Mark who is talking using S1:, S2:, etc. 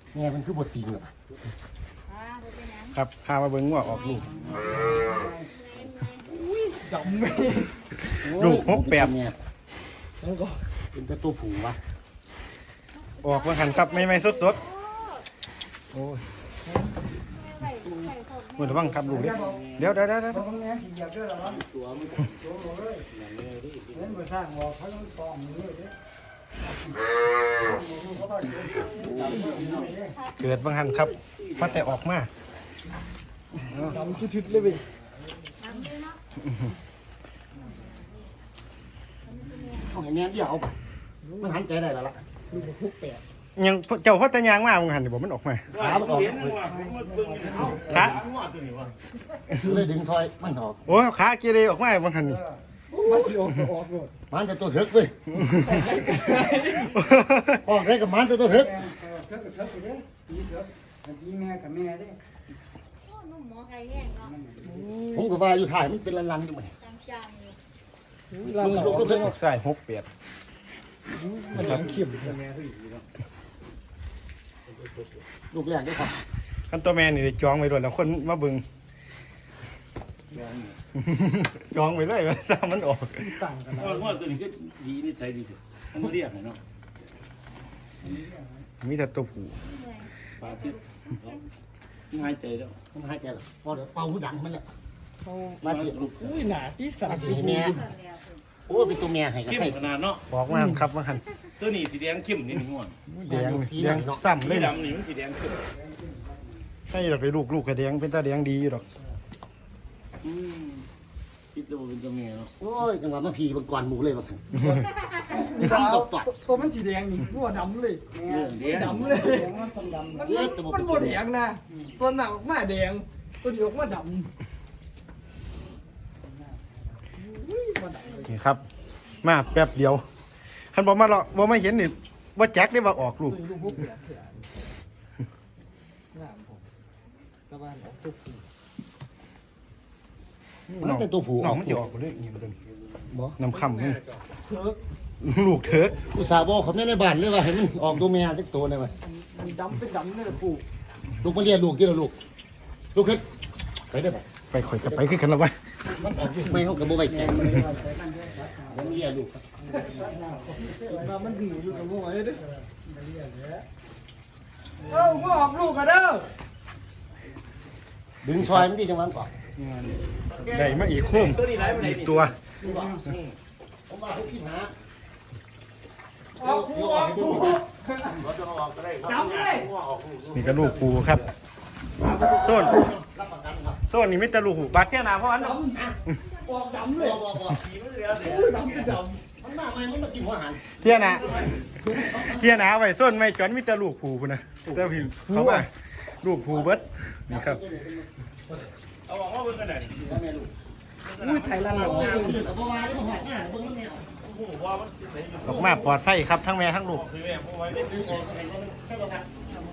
S1: แม่มันคือบทตีนเหรอ
S2: ครับพามาเบิ่งงัวออกลูก
S3: ดำไหม
S2: ลูก6 8
S1: เนี่ย
S3: แล้วก็
S1: เป็นแต่ตัวผูวะ
S2: ออกมาหันครับไม่สดๆโอ้ยมือระวังครับลูกเดี๋ยว
S3: ตรงนี้เหยียบด้วยหรอตัวมันตัวเลยเล่นมาสร้างบอกเขาต้องตอมมือเลย
S2: เกิดบางหันครับพอแต่ออกมา
S3: ดำชุดๆเลยเว้ย
S1: เอาให้แม่เดี่ยวเอาไปมันหันใจได้แล้วล่ะ
S3: ลูกคุกแปด
S2: ยังเจ้าพอแต่ยางมาบางหันนี่บอกมันออกมา
S1: ขามันออก
S2: ขา
S1: เลยดึงซอยมันออก
S2: โอ้ขาเกเรออกมาบางหันนี่
S3: มันที่ออกเลย
S1: มันจะตัวเถิกเว้ยออกได้กับมันจะตัวเถิก
S3: เถิกไปเลยตีเถิกตีแม่กับแม่ได้
S1: ผมก็ว่าอยู่ถ่ายมันเป็นลันๆอยู่ไหม
S2: ลูกใส่6 8
S3: มันทำเข็ม
S1: ลูกแรกด้วยครับ
S2: คันตัวแม่นี่ได้จองไว้ด้วยแล้วคนมาเบิ่งจองไว้เลยว่าซ้ำมันออก
S3: ต่างกันนะ
S4: ว่าตัวนี้ก็ดีนี่ใจดีสุดมันเรียกเนาะ
S2: มีแต่ตัวผู้
S4: ปลาที่ง่ายใจแล้ว
S1: มันหายใจหรอพอเดี๋ยวเป่าหูดังมันแหละ
S3: เขา
S1: มาเสียลูก
S3: อุ้ยหนาที่สาม
S1: มาเสียให้แม่โอ้เป็นตัวแม่ให้กับ
S4: เข้ม
S1: ใคร
S4: ขนาดเนาะ
S2: บอกมาครับบางหัน
S4: ตัวนี้สีแดงเข้มนี่ง่วง
S2: แดงซ้ำเล
S4: ไม่
S2: ยนะ
S4: ดำนี่มันสีแดงเข้ม
S2: ให้เราไปลูกกระแดงเป็นตาแดงดีอยู่ดอก
S4: คิดตัวเป็นตัวเมียเนาะ
S1: โอ้ยจังหวะมาพีบางก่อนหมูเลยบางที
S3: ตัวมันสีแดงนี่หัวดำเลย
S4: เรื่องเดียว
S3: ดำเลยมันบดแดงนะตัวหนักออกมาแดงตัวนี้ออกมาดำ
S2: นี่ครับ มาแป๊บเดียวคันบอกมาหรอกบอกไม่เห็นนี่ว่าแจ็คได้ว่าออกลูก
S3: ลูกพวกเปียกเถื่อนน้ำผมตะวันออกทุกที
S1: มันเป็นตัวผู
S2: น้องมันจะออกเลยนี่มันเป็น
S1: บ่
S2: น้ำคำนี่
S3: เถิก
S2: ลูกเถิก
S1: อุตส่าห์บอกเขาไม่ในบ้านเลยว่าให้มันออกตัวแม่สักตัวเลยมั้ย
S3: มันดำเป็นดำเลยปู่
S1: ลูกมาเรียนลูกกี่ละลูกลูกขึ้นไปได้ปะ
S2: ไปข่อยกับไปขึ้นกันแล้ววะ
S1: มันออกลูกไม่เขากับโบใบแจงมันเรียนลูก
S3: มันดีลูกกับลูกเลยดิเอ้าก็ออกลูกกันเด้อ
S1: ดึงซอยมันที่จังหวะก่อน
S2: ได้มาอีกโค้มอีกตัว
S1: ผมว่าเขาขี้หา
S3: ออกลูกออกลูก
S4: เราจะออกก็ได้
S3: ดำเลย
S2: นี่ก็ลูกปูครับโซน
S1: รับประกันครับ
S2: โซนนี่ไม่แต่ลูกหูบาดแค่นาเพราะอัน
S3: ดำออกดำเลย
S1: บ่
S4: สีมันเรียวเลย
S3: อุ้ยดำเป็นด
S1: มันมาไม่มันมากินหัวอาหาร
S2: เที่ยนาเที่ยนาไว้โซนไม่จอนมีแต่ลูกผูพุ่นนะแต่ผิวเขาว่าลูกผูเบิดนี่ครับ
S4: เอาออกมาเป็นกันไหน
S1: แม่ลูก
S3: ำอุ้ยไทยละลาย
S1: โอ้ยสื่อกับบัวนี่มันหอดหน้าเบิ่งมันแนว
S4: โอ้โหว่ามันใส่
S2: ออกมาปลอดภัยครับทั้งแม่ทั้งลูก
S4: คือแม่ผู้ไว้ได้
S1: ดึงออกเห็นว่ามันแค่ประกัน